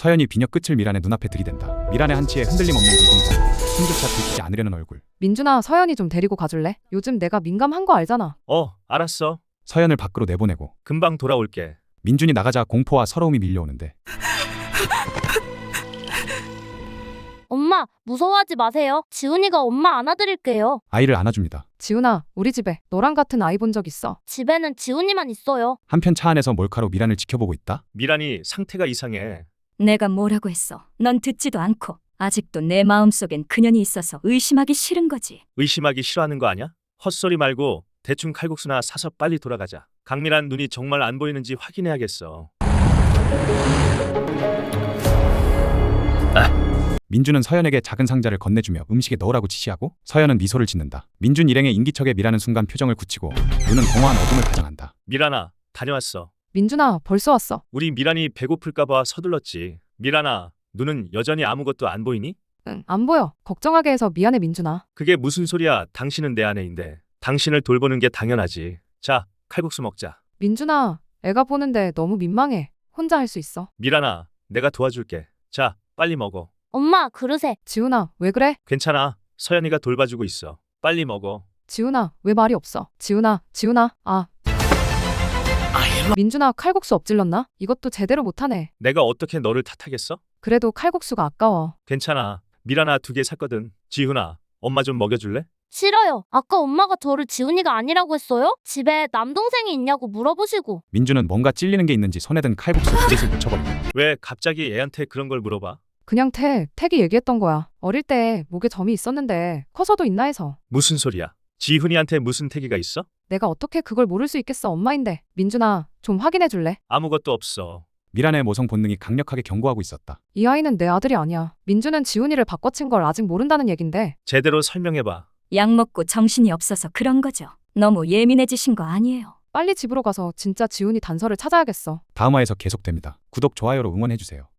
서연이 비녀 끝을 미란의 눈앞에 들이댄다. 미란의 한치에 흔들림 없는 미동자, 숨조차 들키지 않으려는 얼굴. 민준아, 서연이 좀 데리고 가줄래? 요즘 내가 민감한 거 알잖아. 알았어. 서연을 밖으로 내보내고 금방 돌아올게. 민준이 나가자 공포와 서러움이 밀려오는데 엄마, 무서워하지 마세요. 지훈이가 엄마 안아드릴게요. 아이를 안아줍니다. 지훈아, 우리 집에 너랑 같은 아이 본 적 있어? 집에는 지훈이만 있어요. 한편 차 안에서 몰카로 미란을 지켜보고 있다. 미란이 상태가 이상해. 내가 뭐라고 했어? 넌 듣지도 않고 아직도 내 마음속엔 그년이 있어서 의심하기 싫은 거지. 의심하기 싫어하는 거 아냐? 헛소리 말고 대충 칼국수나 사서 빨리 돌아가자. 강미란 눈이 정말 안 보이는지 확인해야겠어. 민준은 서연에게 작은 상자를 건네주며 음식에 넣으라고 지시하고 서연은 미소를 짓는다. 민준 일행의 인기척에 미라는 순간 표정을 굳히고 눈은 공허한 어둠을 가장한다. 미란아, 다녀왔어. 민준아, 벌써 왔어. 우리 미란이 배고플까봐 서둘렀지. 미란아, 눈은 여전히 아무것도 안 보이니? 응, 안 보여. 걱정하게 해서 미안해, 민준아. 그게 무슨 소리야. 당신은 내 아내인데. 당신을 돌보는 게 당연하지. 자, 칼국수 먹자. 민준아, 애가 보는데 너무 민망해. 혼자 할 수 있어. 미란아, 내가 도와줄게. 자, 빨리 먹어. 엄마, 그릇에. 지훈아, 왜 그래? 괜찮아. 서연이가 돌봐주고 있어. 빨리 먹어. 지훈아, 왜 말이 없어? 지훈아, 민준아, 칼국수 엎질렀나? 이것도 제대로 못하네. 내가 어떻게 너를 탓하겠어? 그래도 칼국수가 아까워. 괜찮아. 미란아, 2개 샀거든. 지훈아, 엄마 좀 먹여줄래? 싫어요. 아까 엄마가 저를 지훈이가 아니라고 했어요? 집에 남동생이 있냐고 물어보시고. 민준은 뭔가 찔리는 게 있는지 손에 든 칼국수 그릇을 묻혀버린다. 왜 갑자기 애한테 그런 걸 물어봐? 그냥 택이 얘기했던 거야. 어릴 때 목에 점이 있었는데 커서도 있나 해서. 무슨 소리야? 지훈이한테 무슨 태기가 있어? 내가 어떻게 그걸 모를 수 있겠어, 엄마인데. 민준아, 좀 확인해 줄래? 아무것도 없어. 미란의 모성 본능이 강력하게 경고하고 있었다. 이 아이는 내 아들이 아니야. 민준은 지훈이를 바꿔친 걸 아직 모른다는 얘긴데. 제대로 설명해봐. 약 먹고 정신이 없어서 그런 거죠. 너무 예민해지신 거 아니에요. 빨리 집으로 가서 진짜 지훈이 단서를 찾아야겠어. 다음화에서 계속됩니다. 구독, 좋아요로 응원해주세요.